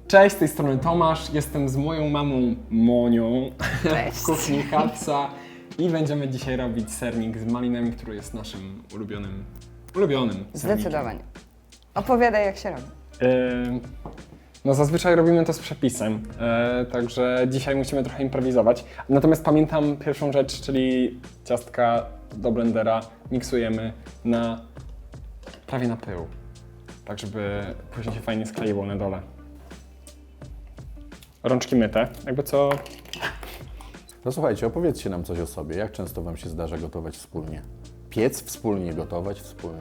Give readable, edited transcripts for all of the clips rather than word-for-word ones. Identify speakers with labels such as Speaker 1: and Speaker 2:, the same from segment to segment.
Speaker 1: Cześć, z tej strony Tomasz, jestem z moją mamą Monią w kuchni Hapsa i będziemy dzisiaj robić sernik z malinami, który jest naszym ulubionym sernikiem.
Speaker 2: Zdecydowanie. Opowiadaj, jak się robi.
Speaker 1: No zazwyczaj robimy to z przepisem, także dzisiaj musimy trochę improwizować. Natomiast pamiętam pierwszą rzecz, czyli ciastka do blendera miksujemy prawie na pył, tak żeby później się fajnie skleiło na dole. Rączki myte, jakby co...
Speaker 3: No słuchajcie, opowiedzcie nam coś o sobie. Jak często wam się zdarza gotować wspólnie? Piec wspólnie, gotować wspólnie.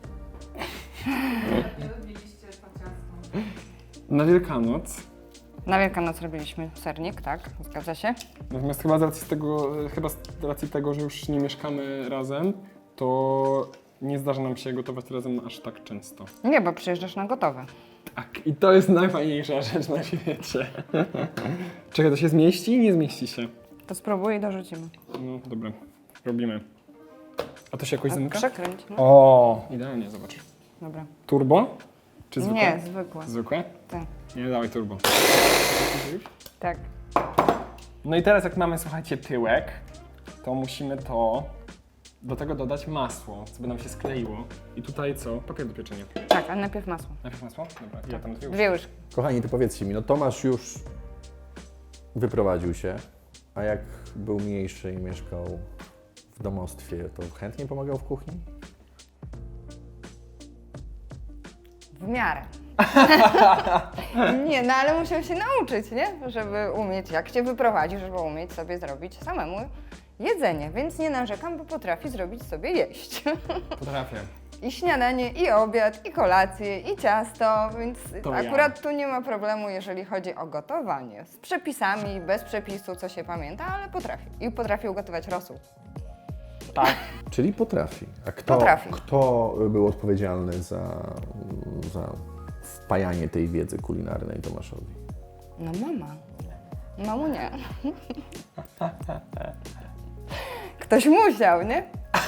Speaker 4: Nie robiliście po ciastu.
Speaker 1: Na Wielkanoc,
Speaker 2: Na Wielkanoc robiliśmy sernik, tak? Zgadza się?
Speaker 1: natomiast chyba z racji tego, że już nie mieszkamy razem, to nie zdarza nam się gotować razem aż tak często.
Speaker 2: Nie, bo przyjeżdżasz na gotowe.
Speaker 1: Tak, i to jest najfajniejsza rzecz na świecie. Czekaj, to się zmieści? Nie zmieści się.
Speaker 2: To spróbuj i dorzucimy.
Speaker 1: No dobra, robimy. A to się jakoś zamyka?
Speaker 2: Przekręć, no.
Speaker 1: O, idealnie, zobacz.
Speaker 2: Dobra.
Speaker 1: Turbo? Czy zwykłe?
Speaker 2: Nie, zwykłe.
Speaker 1: Zwykłe?
Speaker 2: Tak.
Speaker 1: Nie, dawaj turbo.
Speaker 2: Tak.
Speaker 1: No i teraz jak mamy, słuchajcie, pyłek, to musimy do tego dodać masło, co by nam się skleiło. I tutaj co? Papier do pieczenia.
Speaker 2: Tak, ale najpierw masło.
Speaker 1: Najpierw masło? Dobra, ja tam
Speaker 2: Dwie łyżki.
Speaker 3: Kochani, to powiedzcie mi, no Tomasz już wyprowadził się, a jak był mniejszy i mieszkał w domostwie, to chętnie pomagał w kuchni?
Speaker 2: W miarę. Nie, no ale musiał się nauczyć, nie? Żeby umieć, jak się wyprowadził, żeby umieć sobie zrobić samemu jedzenie. Więc nie narzekam, bo potrafi zrobić sobie jeść.
Speaker 1: Potrafię.
Speaker 2: I śniadanie, i obiad, i kolację, i ciasto, więc
Speaker 1: To
Speaker 2: akurat tu nie ma problemu, jeżeli chodzi o gotowanie. Z przepisami, bez przepisu, co się pamięta, ale potrafi. I potrafi ugotować rosół.
Speaker 1: Tak.
Speaker 3: Czyli potrafi. A
Speaker 2: Potrafi.
Speaker 3: Kto był odpowiedzialny za wpajanie tej wiedzy kulinarnej Tomaszowi?
Speaker 2: No mama. Mamunia. Ktoś musiał, nie?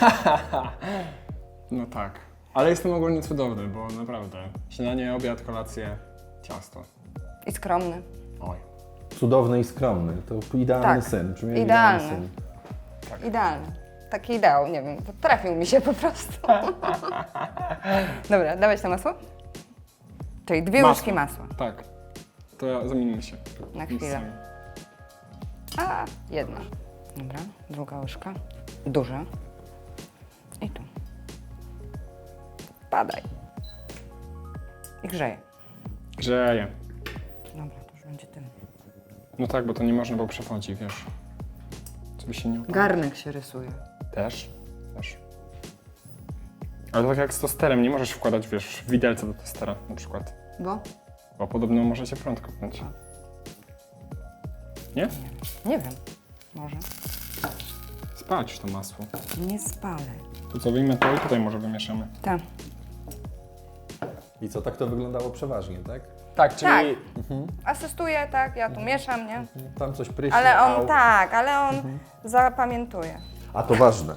Speaker 1: No tak. Ale jestem ogólnie cudowny, bo naprawdę. Śniadanie, obiad, kolację, ciasto.
Speaker 2: I skromny.
Speaker 1: Oj.
Speaker 3: Cudowny i skromny. To idealny
Speaker 2: Tak,
Speaker 3: syn. Brzmi jak
Speaker 2: idealny.
Speaker 3: syn.
Speaker 2: Idealny. Taki ideał, nie wiem, trafił mi się po prostu. Dobra, dawać to masło? Czyli dwie łyżki masła.
Speaker 1: Tak. To zamienimy się.
Speaker 2: Na chwilę. A, jedna. Dobra, druga łyżka. Duża. I tu. Padaj. I grzeje.
Speaker 1: Grzeje.
Speaker 2: Dobra, to już będzie tym.
Speaker 1: No tak, bo to nie można, bo przechodzi, wiesz. Co by się nie udało.
Speaker 2: Garnek się rysuje.
Speaker 1: Też. Ale tak jak z tosterem, nie możesz wkładać, wiesz, widelca do tostera na przykład. Bo podobno może się prąd kopnąć. Nie?
Speaker 2: Nie wiem. Może.
Speaker 1: Spać to masło.
Speaker 2: Nie spalę.
Speaker 1: Tu co wyjmę to i tutaj może wymieszamy.
Speaker 2: Tak.
Speaker 3: I co, tak to wyglądało przeważnie, tak?
Speaker 1: Tak, czyli...
Speaker 2: Asystuję, tak, ja tu mieszam, nie?
Speaker 3: Tam coś pryśnie.
Speaker 2: Ale on,
Speaker 3: au.
Speaker 2: tak, ale on zapamiętuje.
Speaker 3: A to ważne.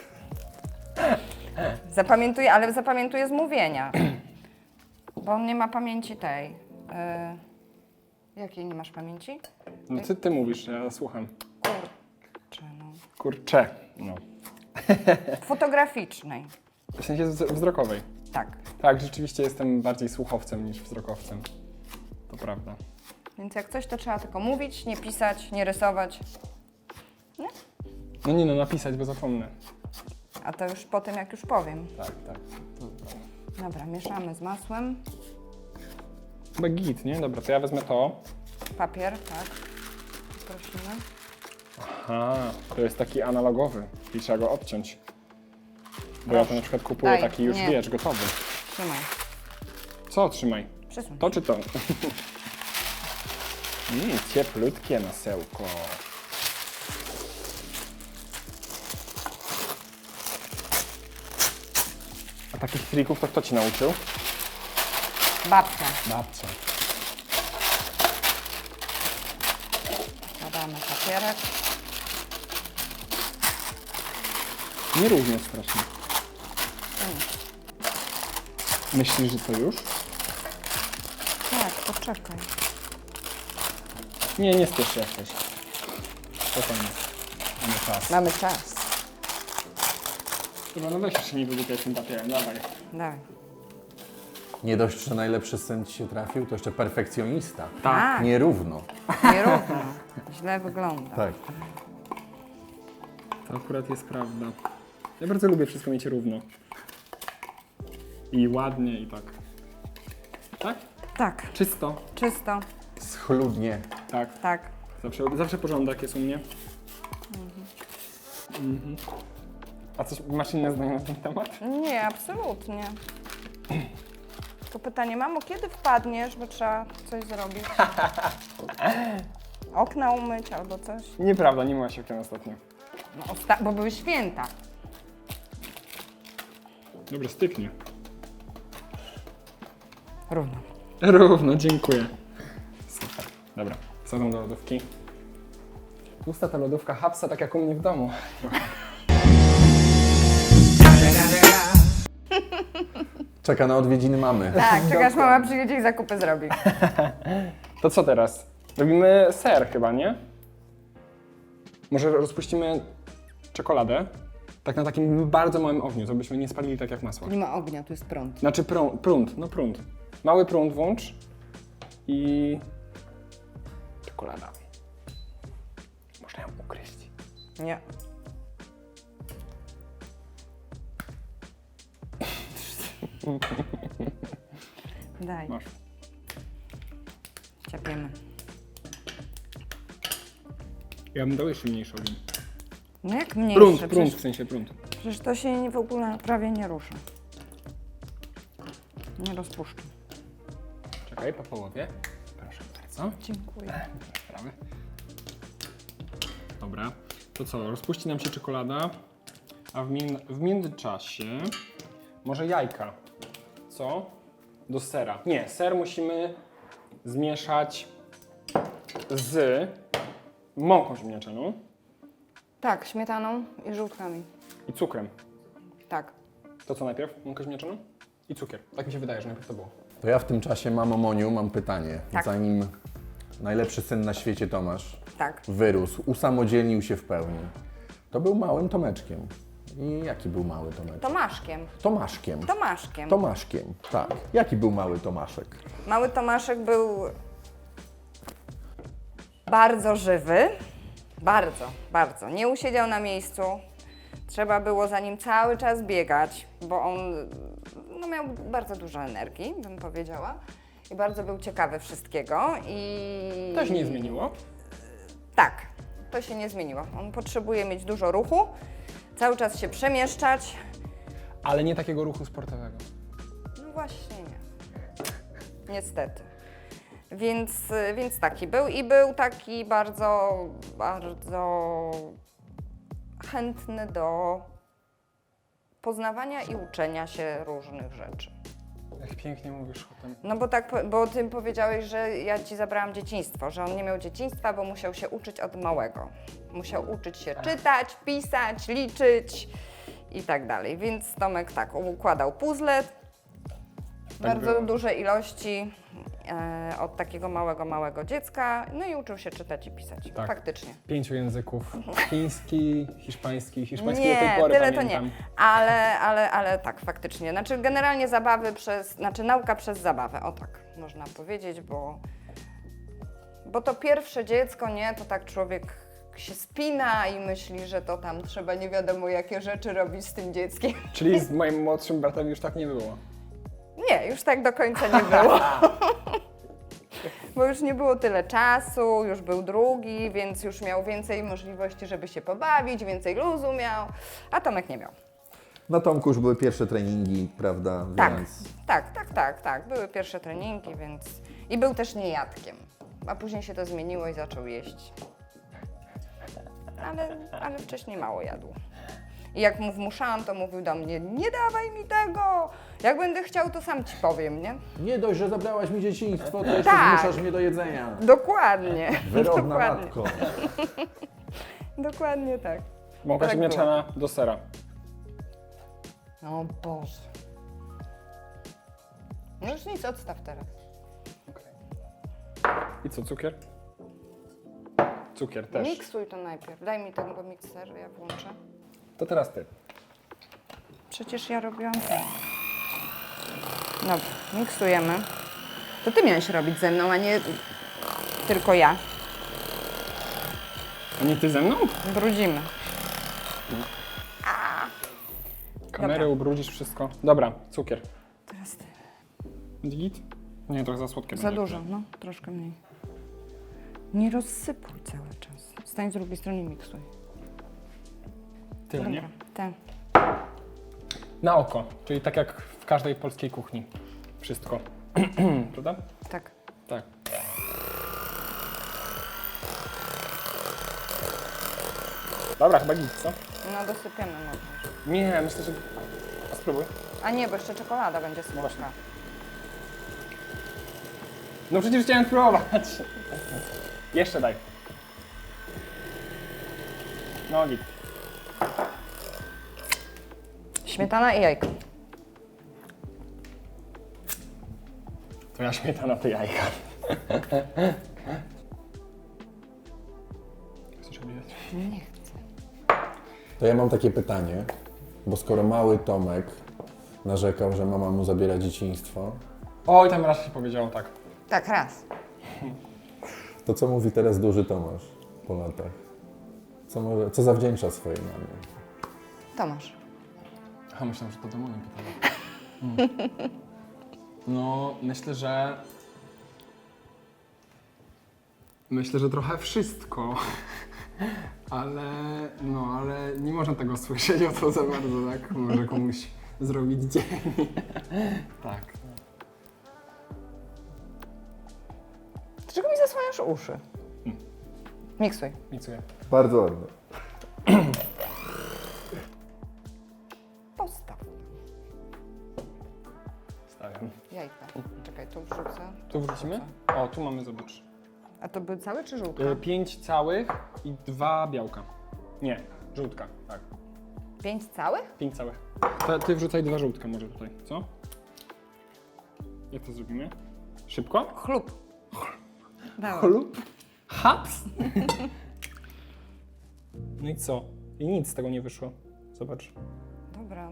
Speaker 2: Zapamiętuje, ale zapamiętuje z mówienia. Bo on nie ma pamięci tej. Jakiej nie masz pamięci?
Speaker 1: No ty mówisz, ja słucham.
Speaker 2: Kurczę, no.
Speaker 1: Kurcze. No.
Speaker 2: Fotograficznej.
Speaker 1: W sensie wzrokowej.
Speaker 2: Tak.
Speaker 1: Tak, rzeczywiście jestem bardziej słuchowcem niż wzrokowcem. To prawda.
Speaker 2: Więc jak coś, to trzeba tylko mówić, nie pisać, nie rysować.
Speaker 1: No nie no, napisać, bo zapomnę.
Speaker 2: A to już po tym, jak już powiem.
Speaker 1: Tak.
Speaker 2: Dobra, mieszamy z masłem.
Speaker 1: Chyba git, nie? Dobra, to ja wezmę to.
Speaker 2: Papier, tak. Prosimy.
Speaker 1: Aha, to jest taki analogowy i trzeba go odciąć. Bo ja to na przykład kupuję
Speaker 2: Daj,
Speaker 1: taki już,
Speaker 2: nie.
Speaker 1: wiesz, gotowy.
Speaker 2: Trzymaj.
Speaker 1: Co trzymaj?
Speaker 2: Przesuń.
Speaker 1: To czy to? Cieplutkie masełko. A takich trików to kto ci nauczył?
Speaker 2: Babcia.
Speaker 1: Babcia.
Speaker 2: Dodamy papierek.
Speaker 1: Nierównie strasznie. Myślisz, że to już?
Speaker 2: Tak, poczekaj.
Speaker 1: Nie spiesz się jak coś. Spokojnie. Mamy czas.
Speaker 2: Mamy czas.
Speaker 1: Chyba no weź jeszcze nie wygłupiaj tym papierem, dawaj.
Speaker 2: Dawaj.
Speaker 3: Nie dość, że najlepszy syn ci się trafił, to jeszcze perfekcjonista.
Speaker 2: Tak.
Speaker 3: Nierówno.
Speaker 2: Nierówno. Źle wygląda.
Speaker 3: Tak.
Speaker 1: To akurat jest prawda. Ja bardzo lubię wszystko mieć równo. I ładnie i tak. Tak?
Speaker 2: Tak.
Speaker 1: Czysto.
Speaker 2: Czysto.
Speaker 3: Schludnie.
Speaker 1: Tak.
Speaker 2: Tak.
Speaker 1: Zawsze porządek jest u mnie. Mhm. A coś, masz inne zdanie na ten temat?
Speaker 2: Nie, absolutnie. To pytanie, mamo, kiedy wpadniesz, bo trzeba coś zrobić? Okna umyć albo coś?
Speaker 1: Nieprawda, nie myłaś okien ostatnio.
Speaker 2: No, bo były święta.
Speaker 1: Dobrze, styknie.
Speaker 2: Równo.
Speaker 1: Równo, dziękuję. Super. Dobra, wsadzam do lodówki. Pusta ta lodówka hapsa, tak jak u mnie w domu.
Speaker 3: Czeka na odwiedziny mamy.
Speaker 2: Tak, czekasz, mama przyjedzie i zakupy zrobi.
Speaker 1: To co teraz? Robimy ser chyba, nie? Może rozpuścimy czekoladę? Tak na takim bardzo małym ogniu, to byśmy nie spalili tak jak masło.
Speaker 2: Nie ma ognia, tu jest prąd.
Speaker 1: Znaczy prąd. Mały prąd włącz i czekolada. Można ją ugryźć.
Speaker 2: Nie. Daj,
Speaker 1: Masz.
Speaker 2: ciapiemy.
Speaker 1: Ja bym dał jeszcze mniejszy ogień.
Speaker 2: No jak mniejsze?
Speaker 1: Prąd,
Speaker 2: Przecież,
Speaker 1: w sensie prąd.
Speaker 2: przecież to się w ogóle prawie nie rusza. Nie rozpuszczę.
Speaker 1: Czekaj, po połowie. Proszę bardzo.
Speaker 2: Dziękuję.
Speaker 1: Sprawy. Dobra. To co, rozpuści nam się czekolada, a w międzyczasie może jajka. Co? Do sera. Nie, ser musimy zmieszać z mąką ziemniaczaną
Speaker 2: Tak, śmietaną i żółtkami.
Speaker 1: i cukrem.
Speaker 2: Tak.
Speaker 1: To co najpierw? Mąkę ziemniaczaną i cukier. Tak mi się wydaje, że najpierw to było.
Speaker 3: To ja w tym czasie, mamo Moniu, mam pytanie.
Speaker 2: Tak.
Speaker 3: Zanim najlepszy syn na świecie Tomasz
Speaker 2: Tak.
Speaker 3: wyrósł, usamodzielnił się w pełni, to był małym Tomeczkiem. I jaki był mały Tomeczek?
Speaker 2: Tomaszkiem.
Speaker 3: Tomaszkiem.
Speaker 2: Tomaszkiem.
Speaker 3: Tomaszkiem, tak. Jaki był mały Tomaszek?
Speaker 2: Mały Tomaszek był bardzo żywy. Bardzo, bardzo. Nie usiedział na miejscu. Trzeba było za nim cały czas biegać, bo on no, miał bardzo dużo energii, bym powiedziała. I bardzo był ciekawy wszystkiego. I
Speaker 1: To się nie zmieniło.
Speaker 2: Tak, to się nie zmieniło. On potrzebuje mieć dużo ruchu, cały czas się przemieszczać.
Speaker 1: Ale nie takiego ruchu sportowego.
Speaker 2: No właśnie nie. Niestety. Więc taki był i był taki bardzo, bardzo chętny do poznawania i uczenia się różnych rzeczy.
Speaker 1: Jak pięknie mówisz o tym.
Speaker 2: No bo tak, bo ty powiedziałeś, że ja ci zabrałam dzieciństwo, że on nie miał dzieciństwa, bo musiał się uczyć od małego. Musiał uczyć się czytać, pisać, liczyć i tak dalej. Więc Tomek tak układał puzzle, bardzo
Speaker 1: było.
Speaker 2: duże ilości od takiego małego dziecka, no i uczył się czytać i pisać.
Speaker 1: Tak.
Speaker 2: Faktycznie.
Speaker 1: 5 języków. Chiński, hiszpański do tej
Speaker 2: Nie,
Speaker 1: pory
Speaker 2: tyle to
Speaker 1: pamiętam.
Speaker 2: nie. Ale tak, faktycznie. Znaczy generalnie nauka przez zabawę, o tak można powiedzieć, bo to pierwsze dziecko, nie, to tak człowiek się spina i myśli, że to tam trzeba nie wiadomo jakie rzeczy robić z tym dzieckiem.
Speaker 1: Czyli z moim młodszym bratem już tak nie było.
Speaker 2: Nie, już tak do końca nie było. Bo już nie było tyle czasu, już był drugi, więc już miał więcej możliwości, żeby się pobawić, więcej luzu miał, a Tomek nie miał.
Speaker 3: Na Tomku już były pierwsze treningi, prawda?
Speaker 2: Tak,
Speaker 3: Więc
Speaker 2: tak. Były pierwsze treningi, więc... I był też niejadkiem. A później się to zmieniło i zaczął jeść. Ale wcześniej mało jadł. I jak mu wmuszałam, to mówił do mnie, nie dawaj mi tego! Jak będę chciał, to sam ci powiem, nie?
Speaker 3: nie dość, że zabrałaś mi dzieciństwo, to jeszcze
Speaker 2: Tak.
Speaker 3: zmuszasz mnie do jedzenia.
Speaker 2: Dokładnie.
Speaker 3: Wyrobna
Speaker 2: Dokładnie.
Speaker 3: matko.
Speaker 2: Dokładnie tak.
Speaker 1: Mąka
Speaker 2: Tak
Speaker 1: ziemniaczana do sera.
Speaker 2: O Boże. No już nic, odstaw teraz.
Speaker 1: Okay. I co, cukier? Cukier też.
Speaker 2: Miksuj to najpierw. Daj mi ten mikser, ja włączę.
Speaker 1: To teraz ty.
Speaker 2: Przecież ja robiłam ten. Dobra, miksujemy. To ty miałeś robić ze mną, a nie tylko ja.
Speaker 1: A nie ty ze mną?
Speaker 2: Brudzimy.
Speaker 1: Kamerę
Speaker 2: Dobra.
Speaker 1: ubrudzisz, wszystko. Dobra, cukier.
Speaker 2: Teraz ty.
Speaker 1: Git? Nie, trochę za słodkie
Speaker 2: Za
Speaker 1: będzie.
Speaker 2: dużo, no, troszkę mniej. Nie rozsypuj cały czas. Stań z drugiej strony i miksuj.
Speaker 1: Tyle, nie?
Speaker 2: Dobra, ten.
Speaker 1: Na oko, czyli tak jak w każdej polskiej kuchni. Wszystko. Prawda?
Speaker 2: Tak.
Speaker 1: Tak. Dobra, chyba git, co?
Speaker 2: No dosypiemy może.
Speaker 1: Nie, myślę, że... A spróbuj.
Speaker 2: A nie, bo jeszcze czekolada będzie słodka.
Speaker 1: No przecież chciałem spróbować. Jeszcze daj. No git.
Speaker 2: Śmietana i jajko.
Speaker 1: To ja śmietana, ty jajka. Chcesz obliwać?
Speaker 2: Nie chcę.
Speaker 3: To ja mam takie pytanie, bo skoro mały Tomek narzekał, że mama mu zabiera dzieciństwo,
Speaker 1: Oj, tam raz się powiedziało tak.
Speaker 2: Tak, raz.
Speaker 3: to co mówi teraz duży Tomasz po latach? Co zawdzięcza swojej mamie?
Speaker 2: Tomasz.
Speaker 1: A myślałem, że to do Moni pytanie. No, myślę, że trochę wszystko. Ale nie można tego słyszeć o to za bardzo, tak? Może komuś zrobić dzień. Tak.
Speaker 2: Dlaczego mi zasłaniasz uszy? Miksuj.
Speaker 1: Miksuję.
Speaker 3: Bardzo ładne.
Speaker 2: Postaw.
Speaker 1: Stawiam.
Speaker 2: Jajka. Czekaj, tu wrzucę.
Speaker 1: Tu wrócimy? O, tu mamy, zobacz.
Speaker 2: A to były całe czy żółtka?
Speaker 1: 5 całych i 2 białka. Nie, żółtka, tak.
Speaker 2: 5 całych?
Speaker 1: 5 całych. Ty wrzucaj 2 żółtka może tutaj, co? Jak to zrobimy? Szybko?
Speaker 2: Chlub. Dawaj.
Speaker 1: Chlub? Haps? No i co? I nic z tego nie wyszło. Zobacz.
Speaker 2: Dobra.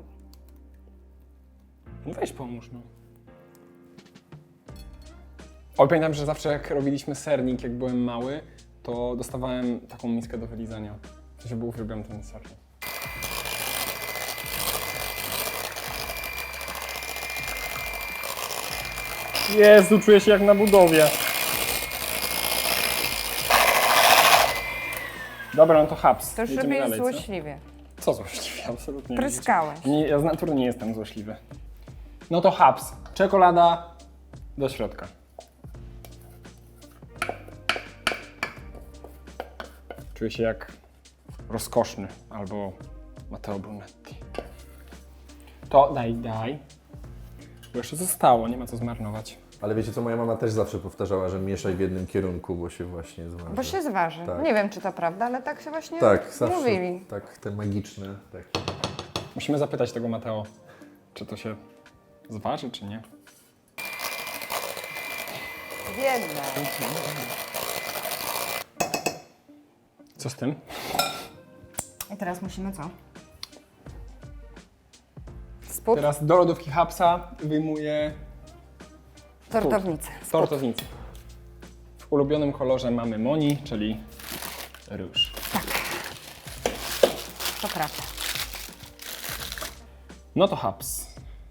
Speaker 1: No weź pomóż, no. O, pamiętam, że zawsze jak robiliśmy sernik, jak byłem mały, to dostawałem taką miskę do wylizania. W sensie, bo uwielbiam ten sernik. Jezu, czuję się jak na budowie. Dobra, no to haps.
Speaker 2: To już
Speaker 1: Jedziemy
Speaker 2: robisz
Speaker 1: dalej, co?
Speaker 2: złośliwie.
Speaker 1: Co złośliwie? Absolutnie nie.
Speaker 2: Pryskałeś.
Speaker 1: Nie, ja z natury nie jestem złośliwy. No to haps. Czekolada do środka. Czuję się jak rozkoszny albo Matteo Brunetti. To daj. Bo jeszcze zostało, nie ma co zmarnować.
Speaker 3: Ale wiecie co, moja mama też zawsze powtarzała, że mieszaj w jednym kierunku, bo się właśnie zważy.
Speaker 2: Bo się zważy.
Speaker 3: Tak.
Speaker 2: Nie wiem, czy to prawda, ale tak się właśnie
Speaker 3: Tak, zawsze.
Speaker 2: mówili.
Speaker 3: Tak, te magiczne. Tak.
Speaker 1: Musimy zapytać tego Matteo, czy to się zważy, czy nie.
Speaker 2: Biedne.
Speaker 1: Co z tym?
Speaker 2: I teraz musimy co? Spód?
Speaker 1: Teraz do lodówki hapsa wyjmuję
Speaker 2: Tortownicę.
Speaker 1: tortownicę. W ulubionym kolorze mamy Moni, czyli róż.
Speaker 2: To prawda.
Speaker 1: No to haps.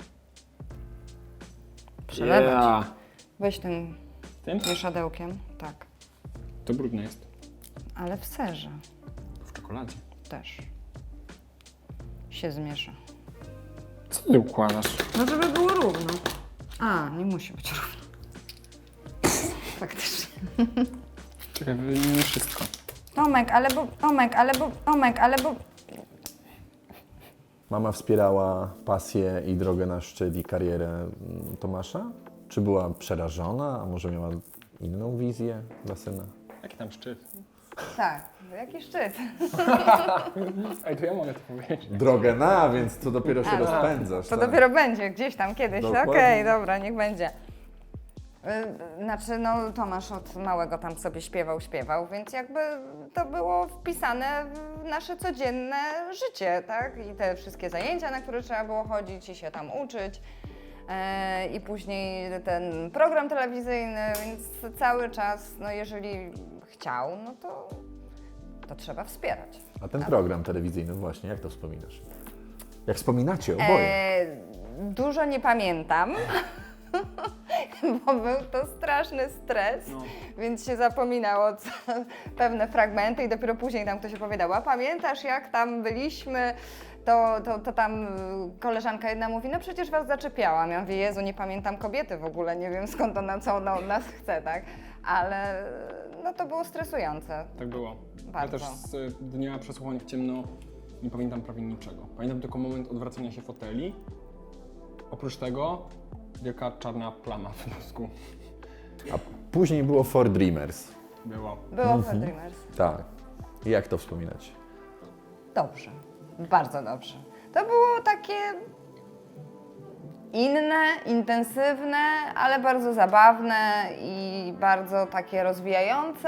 Speaker 2: Przelewać. Weź tym
Speaker 1: Tym?
Speaker 2: mieszadełkiem. Tak.
Speaker 1: To brudne jest.
Speaker 2: Ale w serze
Speaker 1: W czekoladzie.
Speaker 2: też się zmiesza.
Speaker 1: Co ty układasz?
Speaker 2: No żeby było równo. A, nie musi być równo. Faktycznie.
Speaker 1: Czekaj, wyjmijmy wszystko.
Speaker 2: Tomek, ale bo...
Speaker 3: Mama wspierała pasję i drogę na szczyt i karierę Tomasza? Czy była przerażona, a może miała inną wizję dla syna?
Speaker 1: Jaki tam szczyt?
Speaker 2: Tak, jaki szczyt.
Speaker 1: Ej, to ja mogę to powiedzieć.
Speaker 3: Drogę na, więc to dopiero się
Speaker 2: A, no.
Speaker 3: rozpędzasz.
Speaker 2: To
Speaker 3: tak.
Speaker 2: dopiero będzie gdzieś tam kiedyś.
Speaker 3: Dokładnie.
Speaker 2: Okej, dobra, niech będzie. Znaczy, no Tomasz od małego tam sobie śpiewał, więc jakby to było wpisane w nasze codzienne życie, tak? I te wszystkie zajęcia, na które trzeba było chodzić i się tam uczyć. I później ten program telewizyjny, więc cały czas, no jeżeli chciał, no to trzeba wspierać.
Speaker 3: A ten program telewizyjny właśnie, jak to wspominasz? Jak wspominacie oboje?
Speaker 2: Dużo nie pamiętam, bo był to straszny stres, więc się zapominało pewne fragmenty i dopiero później tam ktoś opowiadał, a pamiętasz jak tam byliśmy, to tam koleżanka jedna mówi, no przecież was zaczepiałam. Ja mówię, Jezu, nie pamiętam kobiety w ogóle, nie wiem skąd ona, co ona od nas chce, tak? Ale no to było stresujące.
Speaker 1: Tak było.
Speaker 2: Bardzo.
Speaker 1: Ja też z dnia przesłuchań w ciemno nie pamiętam prawie niczego. Pamiętam tylko moment odwracania się foteli. Oprócz tego wielka czarna plama w mózgu
Speaker 3: A później było For Dreamers.
Speaker 1: była.
Speaker 2: Było For Dreamers.
Speaker 3: Tak. I jak to wspominać?
Speaker 2: Dobrze, bardzo dobrze. To było takie inne, intensywne, ale bardzo zabawne i bardzo takie rozwijające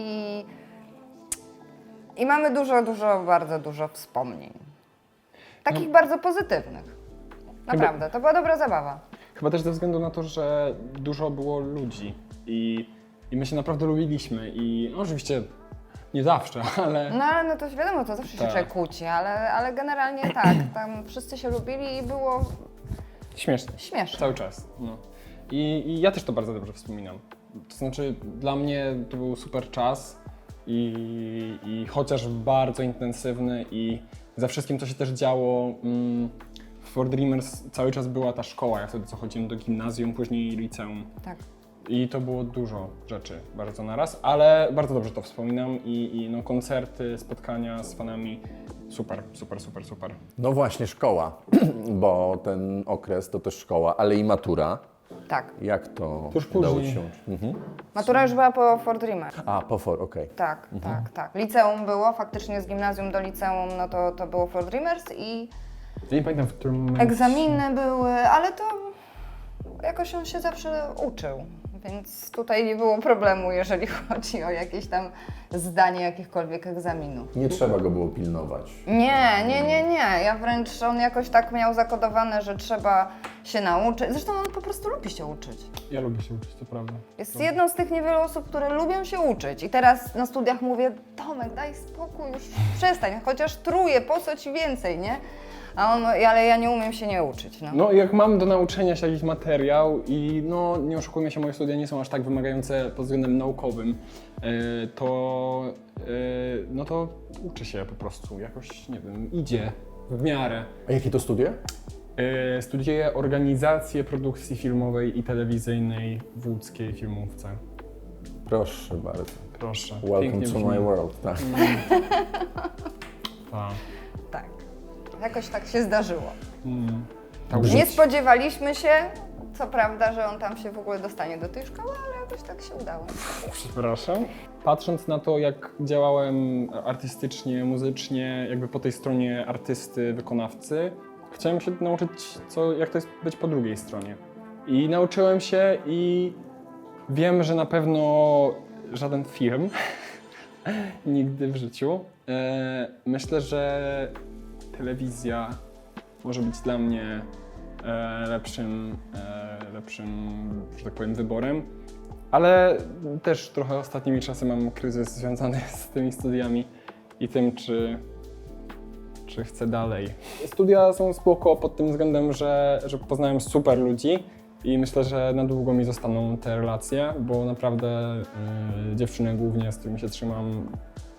Speaker 2: i mamy bardzo dużo wspomnień. Takich bardzo pozytywnych. Naprawdę, to była dobra zabawa.
Speaker 1: Chyba też ze względu na to, że dużo było ludzi i my się naprawdę lubiliśmy i no, oczywiście nie zawsze, ale
Speaker 2: No ale no to wiadomo, to zawsze się
Speaker 1: Tak.
Speaker 2: człowiek kłóci, ale generalnie tak, tam wszyscy się lubili i było
Speaker 1: śmiesznie.
Speaker 2: śmieszne.
Speaker 1: Cały czas. No. I ja też to bardzo dobrze wspominam. To znaczy dla mnie to był super czas i chociaż bardzo intensywny i za wszystkim, co się też działo w For Dreamers cały czas była ta szkoła. Ja wtedy co chodziłem do gimnazjum, później liceum.
Speaker 2: Tak.
Speaker 1: I to było dużo rzeczy bardzo naraz, ale bardzo dobrze to wspominam i no, koncerty, spotkania z fanami, super.
Speaker 3: No właśnie, szkoła, bo ten okres to też szkoła, ale i matura.
Speaker 2: Tak.
Speaker 3: Jak to
Speaker 1: Tuż
Speaker 3: udało
Speaker 1: później.
Speaker 3: Ci się? Mhm.
Speaker 2: Matura już była po For Dreamer.
Speaker 3: A, po For, okej.
Speaker 2: Tak, tak. Liceum było, faktycznie z gimnazjum do liceum, no to było For Dreamers i
Speaker 1: Ja nie pamiętam, w którym momencie...
Speaker 2: egzaminy były, ale to jakoś on się zawsze uczył, więc tutaj nie było problemu, jeżeli chodzi o jakieś tam zdanie jakichkolwiek egzaminów.
Speaker 3: Nie trzeba go było pilnować.
Speaker 2: Nie. Ja wręcz on jakoś tak miał zakodowane, że trzeba się nauczyć. Zresztą on po prostu lubi się uczyć.
Speaker 1: Ja lubię się uczyć, to prawda.
Speaker 2: Jest jedną z tych niewielu osób, które lubią się uczyć. I teraz na studiach mówię, Tomek, daj spokój, już przestań, chociaż truje, po co ci więcej, nie? A on, ale ja nie umiem się nie uczyć, no.
Speaker 1: No jak mam do nauczenia się jakiś materiał i no nie oszukujmy się, moje studia nie są aż tak wymagające pod względem naukowym, no to uczy się po prostu, jakoś, nie wiem, idzie w miarę.
Speaker 3: A jakie to studia?
Speaker 1: Studiuję organizację produkcji filmowej i telewizyjnej w łódzkiej filmówce.
Speaker 3: Proszę bardzo.
Speaker 1: Proszę.
Speaker 3: Welcome
Speaker 1: pięknie
Speaker 3: to
Speaker 1: brzmi.
Speaker 3: my world. Tak.
Speaker 1: Tak.
Speaker 2: Tak. Jakoś tak się zdarzyło.
Speaker 1: Tak,
Speaker 2: Nie spodziewaliśmy się, co prawda, że on tam się w ogóle dostanie do tej szkoły, ale jakoś tak się udało.
Speaker 1: Przepraszam. Patrząc na to, jak działałem artystycznie, muzycznie, jakby po tej stronie artysty, wykonawcy, chciałem się nauczyć, jak to jest być po drugiej stronie. I nauczyłem się i wiem, że na pewno żaden film nigdy w życiu. Myślę, że telewizja może być dla mnie lepszym, że tak powiem, wyborem. Ale też trochę ostatnimi czasy mam kryzys związany z tymi studiami i tym, czy chcę dalej. Studia są spoko pod tym względem, że poznałem super ludzi i myślę, że na długo mi zostaną te relacje, bo naprawdę dziewczyny głównie, z którymi się trzymam...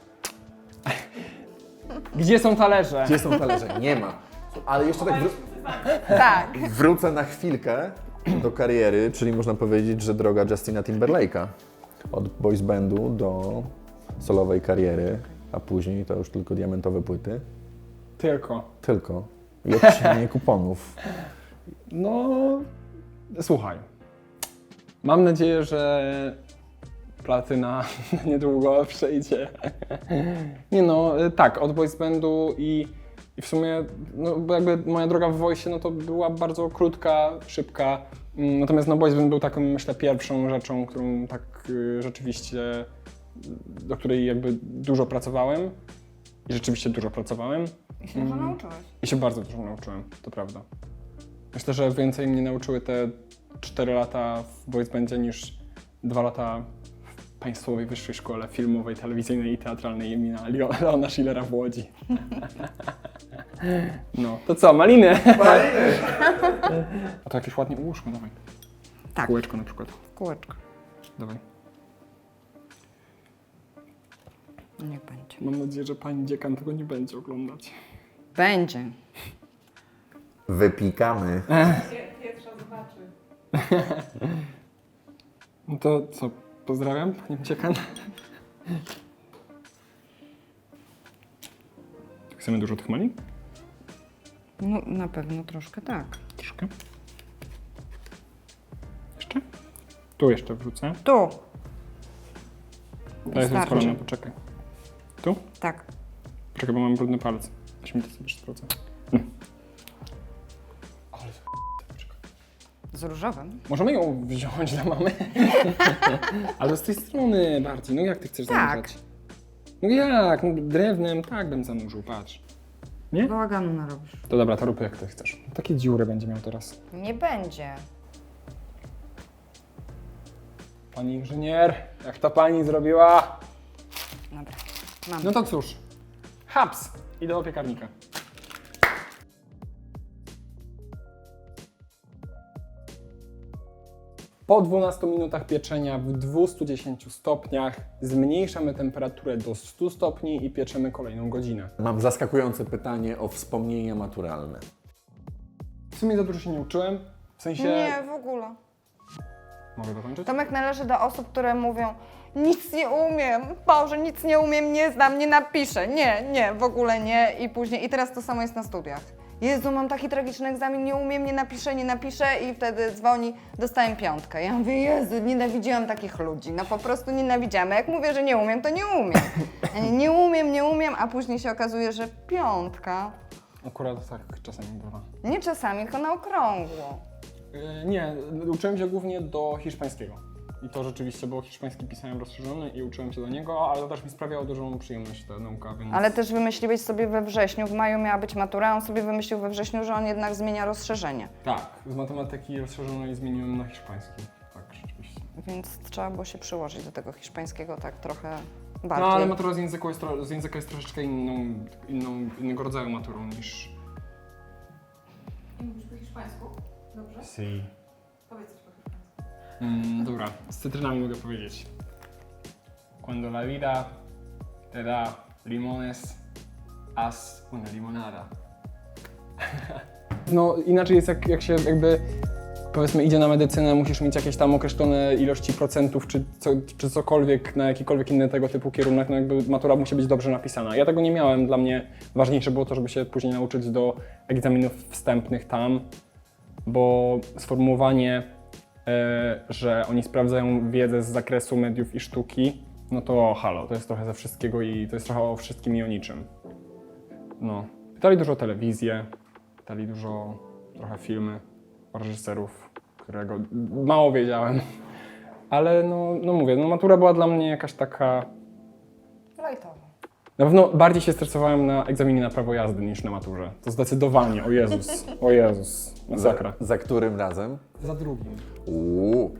Speaker 1: Gdzie są talerze?
Speaker 3: Gdzie są talerze? Nie ma. Ale jeszcze tak
Speaker 2: Tak.
Speaker 3: wrócę na chwilkę do kariery, czyli można powiedzieć, że droga Justina Timberlake'a. Od boys bandu do solowej kariery, a później to już tylko diamentowe płyty.
Speaker 1: Tylko.
Speaker 3: Tylko. I odcinanie kuponów.
Speaker 1: No, słuchaj. Mam nadzieję, że platyna niedługo przejdzie. Nie no, tak, od boys bandu i w sumie, no bo jakby moja droga w Voice, no to była bardzo krótka, szybka. Natomiast no Boys Band był taką, myślę, pierwszą rzeczą, którą tak rzeczywiście, do której jakby dużo pracowałem. I rzeczywiście dużo pracowałem.
Speaker 2: I się dużo nauczyłeś.
Speaker 1: I się bardzo dużo nauczyłem, to prawda. Myślę, że więcej mnie nauczyły te 4 lata w Boys Bandzie niż 2 lata w Państwowej Wyższej Szkole Filmowej, Telewizyjnej i Teatralnej imienia Leona Schillera w Łodzi. No, to co, maliny?
Speaker 3: Maliny!
Speaker 1: A to jakieś ładnie ułóżmy, dawaj.
Speaker 2: Tak,
Speaker 1: Kółeczko na przykład,
Speaker 2: kółeczko.
Speaker 1: dawaj.
Speaker 2: Niech będzie.
Speaker 1: Mam nadzieję, że pani dziekan tego nie będzie oglądać.
Speaker 2: Będzie.
Speaker 3: Wypikamy.
Speaker 4: Pierwsza zobaczy.
Speaker 1: No to co, pozdrawiam panią dziekan. Chcemy dużo tych malin?
Speaker 2: No na pewno troszkę tak.
Speaker 1: Troszkę. Jeszcze? Tu jeszcze wrzucę.
Speaker 2: Tu.
Speaker 1: To jest
Speaker 2: Wystarczy.
Speaker 1: rozpalone, poczekaj. Tu?
Speaker 2: Tak.
Speaker 1: Poczekaj, bo mam brudny palec. Weź mi to sobie sprawdzę. Ale poczekaj.
Speaker 2: Z różowym.
Speaker 1: Możemy ją wziąć dla mamy? Ale z tej strony bardziej. No jak ty chcesz
Speaker 2: Tak.
Speaker 1: zanurzać? No jak? No, drewnem tak bym zanurzył, patrz. Nie?
Speaker 2: Bałaganu narobisz.
Speaker 1: To dobra, to rób jak ty chcesz. Takie dziury będzie miał teraz.
Speaker 2: Nie będzie.
Speaker 1: Pani inżynier, jak to pani zrobiła?
Speaker 2: Dobra. Mam.
Speaker 1: No to cóż. Haps! Idę do piekarnika. Po 12 minutach pieczenia w 210 stopniach zmniejszamy temperaturę do 100 stopni i pieczemy kolejną godzinę.
Speaker 3: Mam zaskakujące pytanie o wspomnienia maturalne.
Speaker 1: W sumie za dużo się nie uczyłem. W sensie...
Speaker 2: Nie, w ogóle.
Speaker 1: Mogę dokończyć?
Speaker 2: Tomek należy do osób, które mówią nic nie umiem, Boże, nic nie umiem, nie znam, nie napiszę. Nie, w ogóle nie. I później, i teraz to samo jest na studiach. Jezu, mam taki tragiczny egzamin, nie umiem, nie napiszę i wtedy dzwoni, dostałem 5. Ja mówię, Jezu, nienawidziłam takich ludzi, no po prostu nienawidziłam. A jak mówię, że nie umiem, to nie umiem. Ja nie umiem, a później się okazuje, że 5.
Speaker 1: Akurat tak czasami bywa.
Speaker 2: Nie czasami, tylko na okrągło.
Speaker 1: Nie, uczyłem się głównie do hiszpańskiego. I to rzeczywiście, bo hiszpański pisałem rozszerzony i uczyłem się do niego, ale to też mi sprawiało dużą przyjemność ta nauka, więc...
Speaker 2: Ale też wymyśliłeś sobie we wrześniu, w maju miała być matura, a on sobie wymyślił we wrześniu, że on jednak zmienia rozszerzenie.
Speaker 1: Tak, z matematyki rozszerzonej zmieniłem na hiszpański. Tak, rzeczywiście.
Speaker 2: Więc trzeba było się przyłożyć do tego hiszpańskiego tak trochę
Speaker 1: No
Speaker 2: bardziej.
Speaker 1: ale matura z języka jest troszeczkę innego rodzaju maturą niż...
Speaker 4: I mówisz po hiszpańsku? Dobrze?
Speaker 1: Si.
Speaker 4: Powiedz coś po hiszpańsku.
Speaker 1: Dobra, z cytrynami mogę powiedzieć. Cuando la vida te da limones, haz una limonada. No inaczej jest jak się jakby powiedzmy idzie na medycynę, musisz mieć jakieś tam określone ilości procentów czy cokolwiek na jakikolwiek inny tego typu kierunek, no jakby matura musi być dobrze napisana. Ja tego nie miałem, dla mnie ważniejsze było to, żeby się później nauczyć do egzaminów wstępnych tam, bo sformułowanie, że oni sprawdzają wiedzę z zakresu mediów i sztuki, no to halo, to jest trochę ze wszystkiego i to jest trochę o wszystkim i o niczym. No. Pytali dużo o telewizję, pytali dużo, trochę filmy, o reżyserów, którego mało wiedziałem. Ale no mówię, no matura była dla mnie jakaś taka...
Speaker 2: Lajtowo.
Speaker 1: Na pewno bardziej się stresowałem na egzaminie na prawo jazdy niż na maturze. To zdecydowanie, o Jezus, masakra.
Speaker 3: Za którym razem?
Speaker 1: Za drugim.
Speaker 3: Uuu.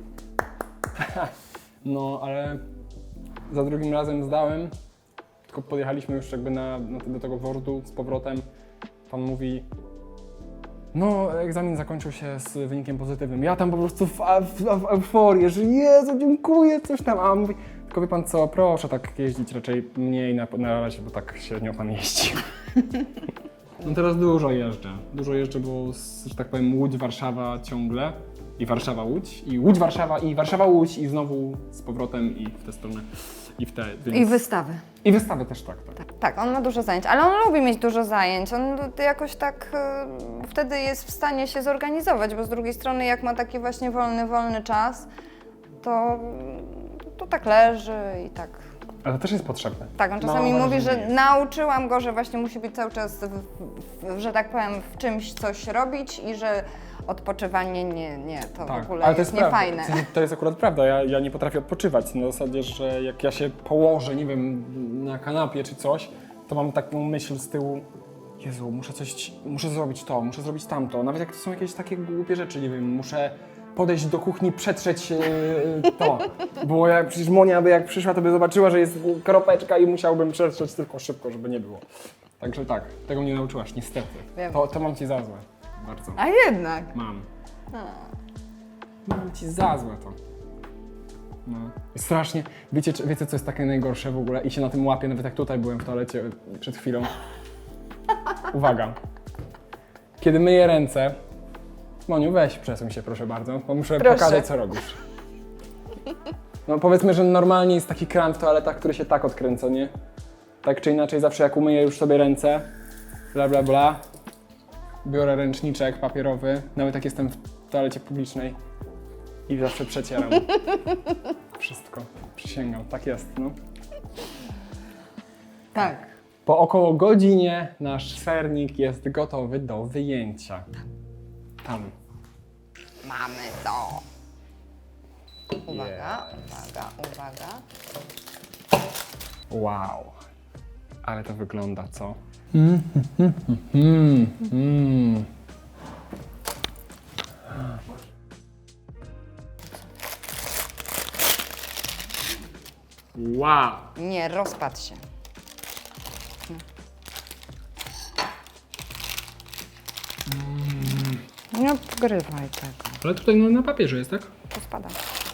Speaker 1: No, ale za drugim razem zdałem, tylko podjechaliśmy już jakby do tego wordu z powrotem. Pan mówi, no egzamin zakończył się z wynikiem pozytywnym. Ja tam po prostu w euforię, że Jezu, dziękuję, coś tam. A on mówi, tylko wie pan co, proszę tak jeździć raczej mniej na razie, bo tak średnio pan jeździ. No teraz dużo jeżdżę, bo że tak powiem Łódź-Warszawa ciągle. I Warszawa-Łódź, i Łódź-Warszawa, i Warszawa-Łódź, i znowu z powrotem, i w tę stronę, i w tę, więc...
Speaker 2: I wystawy.
Speaker 1: I wystawy też, tak.
Speaker 2: Tak, on ma dużo zajęć, ale on lubi mieć dużo zajęć. On jakoś tak wtedy jest w stanie się zorganizować, bo z drugiej strony jak ma taki właśnie wolny czas, to tak leży i tak.
Speaker 1: Ale to też jest potrzebne.
Speaker 2: Tak, on czasami
Speaker 1: Mam
Speaker 2: mówi,
Speaker 1: wrażenie,
Speaker 2: że
Speaker 1: jest.
Speaker 2: nauczyłam go, że właśnie musi być cały czas, że tak powiem, w czymś coś robić i że odpoczywanie nie, to w ogóle
Speaker 1: ale to
Speaker 2: jest
Speaker 1: prawda.
Speaker 2: niefajne.
Speaker 1: W sensie, to jest akurat prawda, ja nie potrafię odpoczywać. Na zasadzie, że jak ja się położę, nie wiem, na kanapie czy coś, to mam taką myśl z tyłu, Jezu, muszę zrobić to, muszę zrobić tamto. Nawet jak to są jakieś takie głupie rzeczy, nie wiem, muszę podejść do kuchni, przetrzeć to. Bo przecież Monia by jak przyszła, to by zobaczyła, że jest kropeczka i musiałbym przetrzeć tylko szybko, żeby nie było. Także tak, tego mnie nauczyłaś, niestety.
Speaker 2: Wiem.
Speaker 1: To mam ci za złe. Bardzo.
Speaker 2: A jednak.
Speaker 1: Mam. Mam ci za złe to. No. I strasznie, wiecie co jest takie najgorsze w ogóle? I się na tym łapię, nawet jak tutaj byłem w toalecie przed chwilą. Uwaga. Kiedy myję ręce, Moniu, weź przesuń się proszę bardzo, bo muszę
Speaker 2: Proszę.
Speaker 1: pokazać co robisz. No powiedzmy, że normalnie jest taki kran w toaletach, który się tak odkręca, nie? Tak czy inaczej, zawsze jak umyję już sobie ręce, bla bla bla, biorę ręczniczek papierowy, nawet jak jestem w toalecie publicznej i zawsze przecieram. Wszystko. Przysięgam, tak jest, no.
Speaker 2: Tak.
Speaker 1: Po około godzinie nasz sernik jest gotowy do wyjęcia. Tam.
Speaker 2: Mamy to. Uwaga, uwaga.
Speaker 1: Wow. Ale to wygląda, co? Wow.
Speaker 2: Nie, rozpadł się. Nie wgrywaj tego.
Speaker 1: Ale tutaj na papierze jest, tak?
Speaker 2: To spada.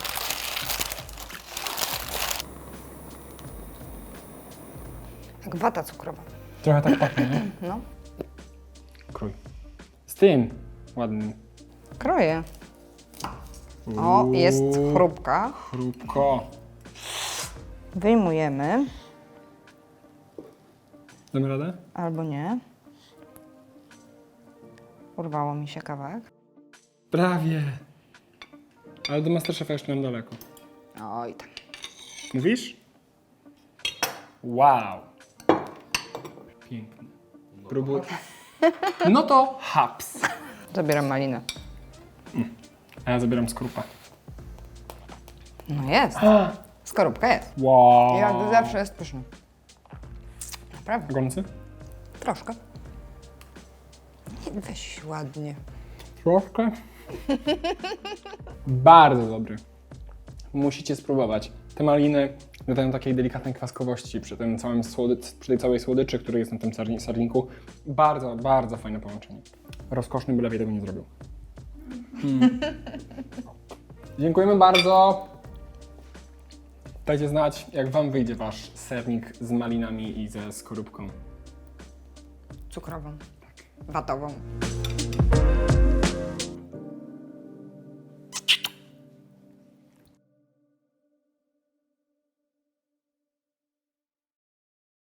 Speaker 2: Jak wata cukrowa.
Speaker 1: Trochę tak pachnie, nie?
Speaker 2: No.
Speaker 1: Krój. Z tym ładnym.
Speaker 2: Kroję. O, jest chrupka.
Speaker 1: Chrupko.
Speaker 2: Wyjmujemy.
Speaker 1: Damy radę?
Speaker 2: Albo nie. Urwało mi się kawałek.
Speaker 1: Prawie. Ale do Masterchefa jeszcze mam daleko.
Speaker 2: Oj tam.
Speaker 1: Mówisz? Wow. Pięknie. Próbuj. No to haps.
Speaker 2: Zabieram malinę.
Speaker 1: A ja zabieram skorupę.
Speaker 2: No jest. Skorupka jest.
Speaker 1: Wow.
Speaker 2: Jak zawsze jest pyszny. Naprawdę.
Speaker 1: Gorący?
Speaker 2: Troszkę. Weź ładnie.
Speaker 1: Troszkę. Bardzo dobry. Musicie spróbować. Te maliny dodają takiej delikatnej kwaskowości przy tym całym przy tej całej słodyczy, który jest na tym serniku. Bardzo, bardzo fajne połączenie. Rozkoszny by lepiej tego nie zrobił. Dziękujemy bardzo. Dajcie znać, jak Wam wyjdzie Wasz sernik z malinami i ze skorupką.
Speaker 2: Cukrową. Watową.